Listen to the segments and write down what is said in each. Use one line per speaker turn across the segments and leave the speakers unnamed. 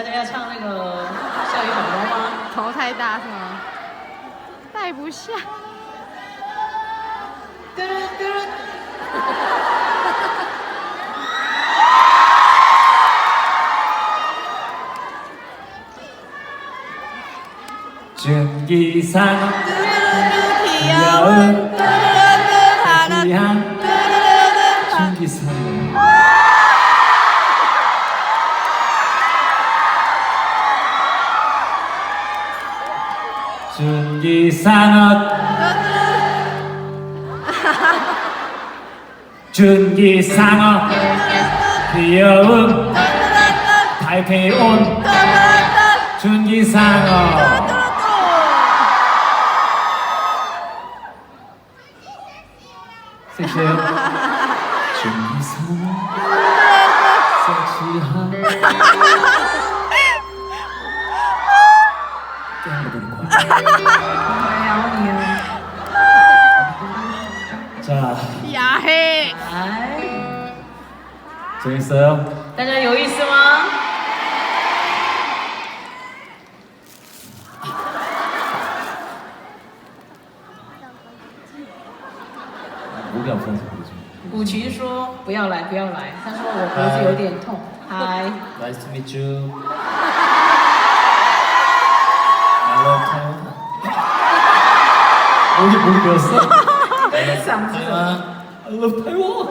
家要唱那个校园宝宝吗？
头太大是吗？戴不下。
嘟嘟嘟。
준기상 귀여운 귀한 준기상 준기상어 준기상어 귀여운 달팽이 온 준기상어 섹시해요? 준기상어 섹시한 자,
야해.
来，
재밌어요?
大家有意思吗？
목이 아파서 그러죠.
古琴说不要来，不要来。他说我脖子有点痛。嗨，
Nice to meet you. I love Taiwan. 목이 배웠어?
嗓子。
I love Taiwan.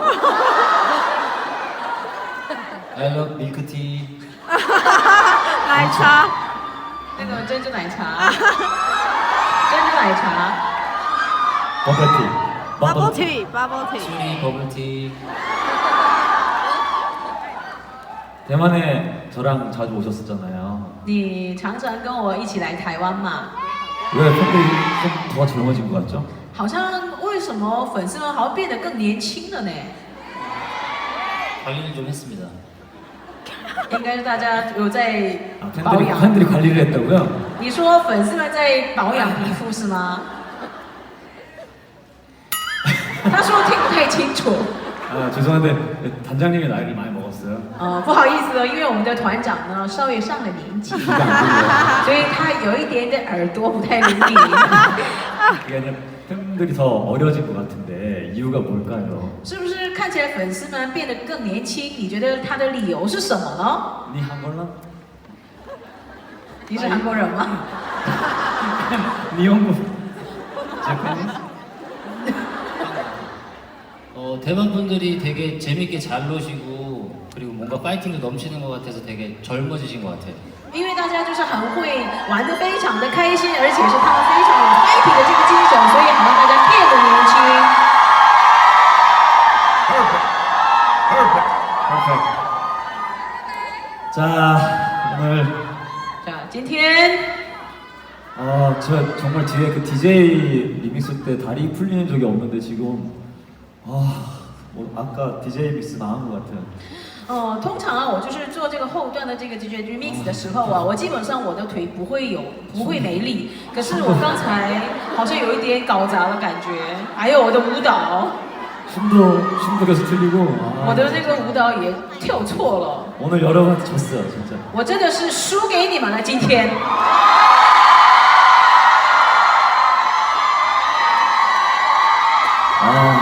I love milk tea.
奶茶。
那个珍珠奶茶，珍珠奶茶。
Bubble tea.
Bubble tea, bubble tea.
수리 버블 티. 대만에 저랑 자주 오셨었잖아요.
你常常跟我一起来台湾嘛？
왜 팬들이 좀 더 젊어진 것 같죠?
好像为什么粉丝们好像变得更年轻了呢？
관리를 좀 했습니다.
应该是大家有在
아,
保
팬들이,
养。
팬들이 관리를 했다고요?
你说粉丝们在保养皮肤是吗？他说听不太清楚。
아, 죄송한데 단장님이 나이를 많이 먹었어요.
不好意思哦，因为我们的团长呢稍微上了年纪，
귀가 안 들려요.
所以他有一点点耳朵不太灵敏。
이게 아니라 팬들이 더 어려진 것 같은데 이유가 뭘까요?
是不是看起来粉丝们变得更年轻？你觉得他的理由是什么呢？
니 한걸랑?
你是韩国人吗？
니 한국? 제팬이?
대만 분들이 되게 재밌게 잘 노시고 그리고 뭔가 파이팅도 넘치는 것 같아서 되게 젊어지신 것 같아요.
因为大家就是很会玩得非常的开心，而且是他们非常有 fighting 的这个精神，所以好让大家变得年轻。
자, 오늘
今天
제가 정말 뒤에 그 DJ 리믹스 때 다리 풀리는 적이 없는데 지금 아까 DJ 믹스 나온 것 같아요.
通常啊，我就是做这个后段的这个 DJ remix 的时候啊，我基本上我的腿不会没力，可是我刚才好像有一点搞砸的感觉，还有我的舞蹈，
춤도 계속 틀리고
我的这个舞蹈也跳错了，
오늘 여러분한테 졌어요 진짜.
我真的是输给你们了今天。